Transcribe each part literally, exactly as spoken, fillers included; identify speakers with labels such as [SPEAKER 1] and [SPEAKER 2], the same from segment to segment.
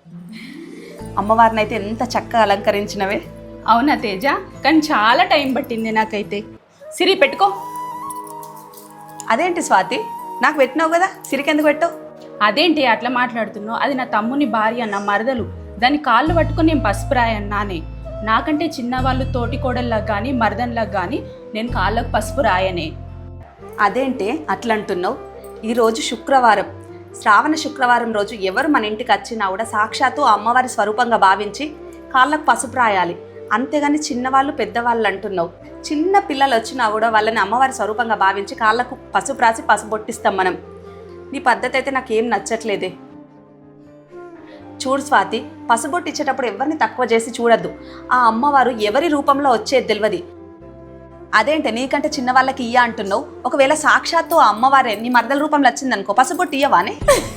[SPEAKER 1] అమ్మవారిని అయితే ఎంత చక్కగా అలంకరించినవే.
[SPEAKER 2] అవునా తేజ, కానీ చాలా టైం పట్టింది నాకైతే. సిరి పెట్టుకో.
[SPEAKER 1] అదేంటి స్వాతి, నాకు పెట్టినావు కదా, సిరికెందుకు పెట్టావు?
[SPEAKER 2] అదేంటి అట్లా మాట్లాడుతున్నావు? అది నా తమ్ముని భార్య, నా మరదలు. దాని కాళ్ళు పట్టుకొని నేను పసుపు రాయన్నానే. నాకంటే చిన్నవాళ్ళు తోటి కోడల్లాగా కానీ మరదన్లాగా కానీ నేను కాళ్ళకు పసుపు రాయనే.
[SPEAKER 1] అదేంటి అట్లా అంటున్నావు? ఈరోజు శుక్రవారం, శ్రావణ శుక్రవారం రోజు ఎవరు మన ఇంటికి వచ్చినా కూడా సాక్షాత్తు అమ్మవారి స్వరూపంగా భావించి కాళ్ళకు పసుపు రాయాలి. అంతేగాని చిన్నవాళ్ళు పెద్దవాళ్ళు అంటున్నావు. చిన్న పిల్లలు వచ్చినా కూడా వాళ్ళని అమ్మవారి స్వరూపంగా భావించి కాళ్ళకు పసుపు రాసి పసుపు బొట్టిస్తాం మనం. నీ పద్ధతి అయితే నాకేం నచ్చట్లేదే. చూడు స్వాతి, పసుబొట్టు ఇచ్చేటప్పుడు ఎవరిని తక్కువ చేసి చూడద్దు. ఆ అమ్మవారు ఎవరి రూపంలో వచ్చేది తెలియదు. అదేంటే నీకంటే చిన్న వాళ్ళకి ఇయ్య అంటున్నావు? ఒకవేళ సాక్షాత్తు ఆ అమ్మవారే నీ మరదల రూపంలో వచ్చిందనుకో, పసుబొట్టు ఇయ్యవానే?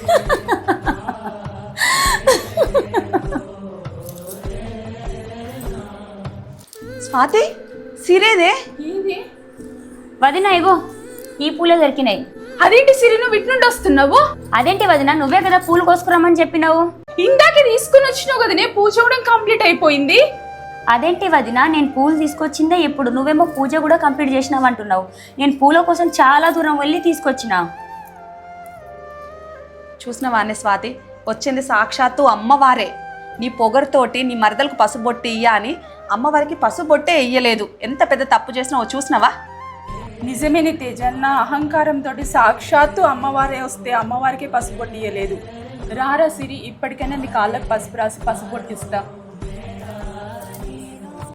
[SPEAKER 1] స్వాతి, సిరేదే
[SPEAKER 3] వదిన, ఇగో ఈ పూలే దొరికినాయి.
[SPEAKER 2] అదేంటి సిరి, నువ్వు ఇటు నుండి వస్తున్నావు?
[SPEAKER 3] అదేంటి వదిన, నువ్వే కదా పూలు కోసుకురమ్మని చెప్పినావు.
[SPEAKER 2] ఇందాకే తీసుకుని వచ్చినావు కదనే, పూజ కూడా కంప్లీట్ అయిపోయింది.
[SPEAKER 3] అదేంటి వదిన, నేను పూలు తీసుకొచ్చిందే ఇప్పుడు, నువ్వేమో పూజ కూడా కంప్లీట్ చేసినావు అంటున్నావు. నేను పూల కోసం చాలా దూరం వెళ్ళి తీసుకొచ్చిన.
[SPEAKER 1] చూసినవానే స్వాతి, వచ్చింది సాక్షాత్తు అమ్మవారే. నీ పొగరుతోటి నీ మరదలకు పసుబొట్టి ఇయ్య అని అమ్మవారికి పసుబొట్టే ఇయ్యలేదు. ఎంత పెద్ద తప్పు చేసినావో చూసినావా?
[SPEAKER 2] నిజమేని తేజ, నా అహంకారంతో సాక్షాత్తు అమ్మవారే వస్తే అమ్మవారికే పసుపు పొట్టియలేదు. రారా సిరి, ఇప్పటికైనా నీ కాళ్ళకు పసుపు రాసి పసుపు పొట్టిస్తా.